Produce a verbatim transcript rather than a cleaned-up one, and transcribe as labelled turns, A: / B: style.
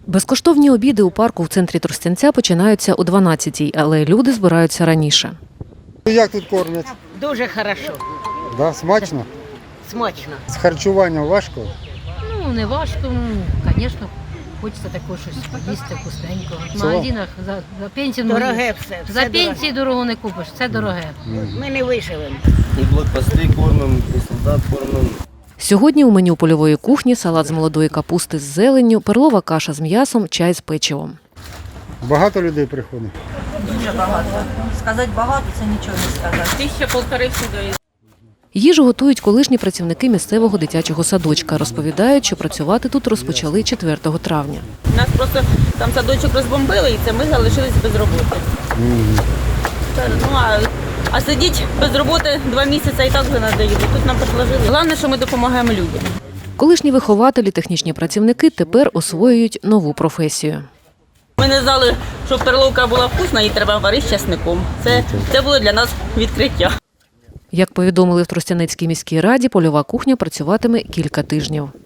A: Безкоштовні обіди у парку в центрі Тростянця починаються о дванадцятій, але люди збираються раніше.
B: Як тут кормять?
C: Дуже хорошо,
B: Да, смачно?
C: смачно.
B: З харчуванням важко?
D: Ну, не важко, ну, звісно, хочеться такого щось поїсти вкусненького. В
B: Це
D: магазинах за, за пенсію
C: Дороге все.
D: за
C: все
D: пенсії дорого не купиш, це дороге.
C: дороге. Ми не виживемо.
E: І блокпости кормимо, і солдат кормимо.
A: Сьогодні у меню польової кухні салат з молодої капусти з зеленню, перлова каша з м'ясом, чай з печивом.
B: Багато людей приходить?
F: Дуже багато. Сказати багато – це нічого не сказати.
G: Тисяча полтори сюди.
A: Їжу готують колишні працівники місцевого дитячого садочка. Розповідають, що працювати тут розпочали четвертого травня.
G: Нас просто там садочок розбомбили, і це ми залишились без роботи.
B: Мгм.
G: Та, Ну, а, а сидіти без роботи два місяці і так вже надоїло. Тут нам предложили. Головне, що ми допомагаємо людям.
A: Колишні вихователі, технічні працівники тепер освоюють нову професію.
G: Ми не знали, що перловка була вкусна, її треба варити з часником. Це, це було для нас відкриття.
A: Як повідомили в Тростянецькій міській раді, польова кухня працюватиме кілька тижнів.